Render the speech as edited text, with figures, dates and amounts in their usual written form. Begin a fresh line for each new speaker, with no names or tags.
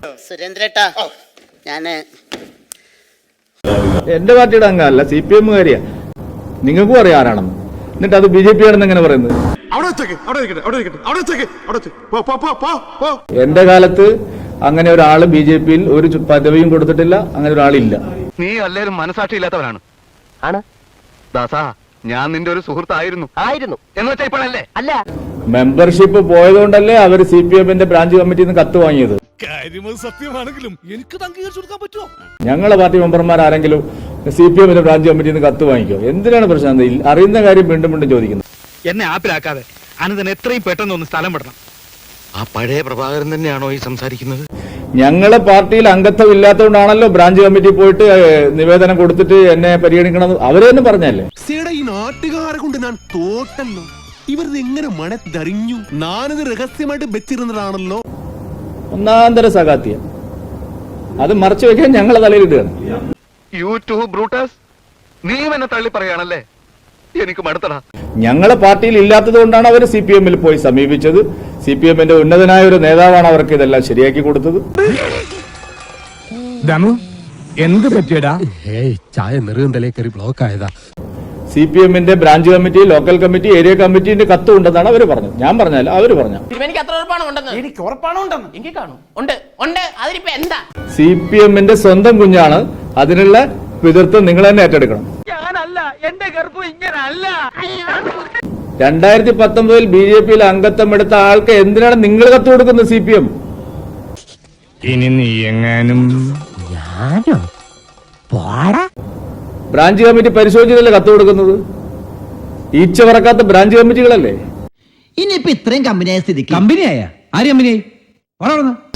സുരേന്ദ്രേട്ടാ, ഞാന്
എന്റെ പാർട്ടിയുടെ അംഗമല്ല, CPM കാരിയാ. നിങ്ങൾക്കും അറിയാം ആരാണെന്ന്. എന്നിട്ട് അത് BJP ആണെന്ന് എങ്ങനെ പറയുന്നത്? എന്റെ കാലത്ത് അങ്ങനെ ഒരാള് BJP-യിൽ ഒരു പദവിയും കൊടുത്തിട്ടില്ല. അങ്ങനെ ഒരാളില്ല.
നീ എല്ലാവരും മനസാക്ഷി ഇല്ലാത്തവനാണ്. ആണ് ദാസാ, ഞാൻ നിന്റെ ഒരു സുഹൃത്തായിരുന്നു. എന്ന് വെച്ചാ ഇപ്പോഴല്ലേ? അല്ല,
മെമ്പർഷിപ്പ് പോയതുകൊണ്ടല്ലേ അവർ CPM-ന്റെ ബ്രാഞ്ച് കമ്മിറ്റിയിൽ നിന്ന് കത്ത് വാങ്ങിയത്.
സത്യമാണെങ്കിലും എനിക്ക് അംഗീകരിച്ചു കൊടുക്കാൻ പറ്റുമോ?
ഞങ്ങളെ പാർട്ടി മെമ്പർമാർ ആരെങ്കിലും CPM-ന്റെ ബ്രാഞ്ച് കമ്മിറ്റിയിൽ നിന്ന് കത്ത് വാങ്ങിക്കോ? എന്തിനാണ് പ്രശ്നം? അറിയുന്ന കാര്യം വീണ്ടും വീണ്ടും ചോദിക്കുന്നത്.
എന്നെ ആപ്പിലാക്കാതെ അനന്തൻ എത്രയും പെട്ടെന്ന് ഒന്ന് സ്ഥലം വിടണം.
ആ പഴയ പ്രഭാകരൻ തന്നെയാണോ ഈ സംസാരിക്കുന്നത്?
ഞങ്ങളെ പാർട്ടിയിൽ അംഗത്വം ഇല്ലാത്തതുകൊണ്ടാണല്ലോ ബ്രാഞ്ച് കമ്മിറ്റി പോയിട്ട് നിവേദനം കൊടുത്തിട്ട് എന്നെ പരിഗണിക്കണം അവര് തന്നെ പറഞ്ഞല്ലേ.
ഈ നാട്ടുകാരെ കൊണ്ട് ഞാൻ തോട്ടല്ലോ. ഇവർ എങ്ങനെ മണത്തറിഞ്ഞു? ഞാനിത് രഹസ്യമായിട്ട് വെച്ചിരുന്നതാണല്ലോ.
ഒന്നാന്തര സകാത്തിയ അത് മറച്ചു വെക്കാൻ ഞങ്ങളെ തലയിലിടുകയാണ്.
യൂട്യൂബ് ബ്രൂട്ടസ്, നീ എന്നെ തള്ളി പറയാണല്ലേ? എനിക്ക് മടുത്തടാ.
ഞങ്ങളെ പാർട്ടിയിൽ ഇല്ലാത്തത് കൊണ്ടാണ് അവർ CPM-ൽ പോയി സമീപിച്ചത്. CPM-ന്റെ ഉന്നതനായ ഒരു നേതാവാണ് അവർക്ക് ഇതെല്ലാം ശരിയാക്കി കൊടുത്തത്.
എന്ത് പറ്റിയടാ?
ചായ നെറുകന്തലേ കയറി ബ്ലോക്ക് ആയതാ.
CPM-ന്റെ branch committee, local committee, area കമ്മിറ്റിന്റെ കത്ത് ഉണ്ടെന്നാണ് അവർ പറഞ്ഞത്. ഞാൻ പറഞ്ഞല്ല, അവര് പറഞ്ഞു.
എനിക്ക് അത്ര ഉറപ്പാണ് ഉണ്ടെന്ന്. എനിക്ക് ഉറപ്പാണ് ഉണ്ടെന്ന്. എനിക്ക് കാണും. ഉണ്ട്. അതിനിപ്പോ എന്താ?
CPM-ന്റെ സ്വന്തം കുഞ്ഞാണ്. അതിനുള്ള പിതൃത്വം നിങ്ങൾ തന്നെ ഏറ്റെടുക്കണം.
ഞാനല്ല, എന്റെ ഗർഭം ഇങ്ങനല്ല.
2019 BJP-യിൽ അംഗത്വം എടുത്ത ആൾക്ക് എന്തിനാണ് നിങ്ങൾ കത്ത് കൊടുക്കുന്നത്? CPM
ഇനി നീ എങ്ങാനും
ബ്രാഞ്ച് കമ്മിറ്റി പരിശോധിച്ചതല്ലേ കത്ത് കൊടുക്കുന്നത്? ഈച്ച പറക്കാത്ത ബ്രാഞ്ച് കമ്മിറ്റികളല്ലേ?
ഇനിയിപ്പോ ഇത്രയും കമ്പനിയായ സ്ഥിതിക്ക്
കമ്പനിയായ ആര് കമ്പനിയായി?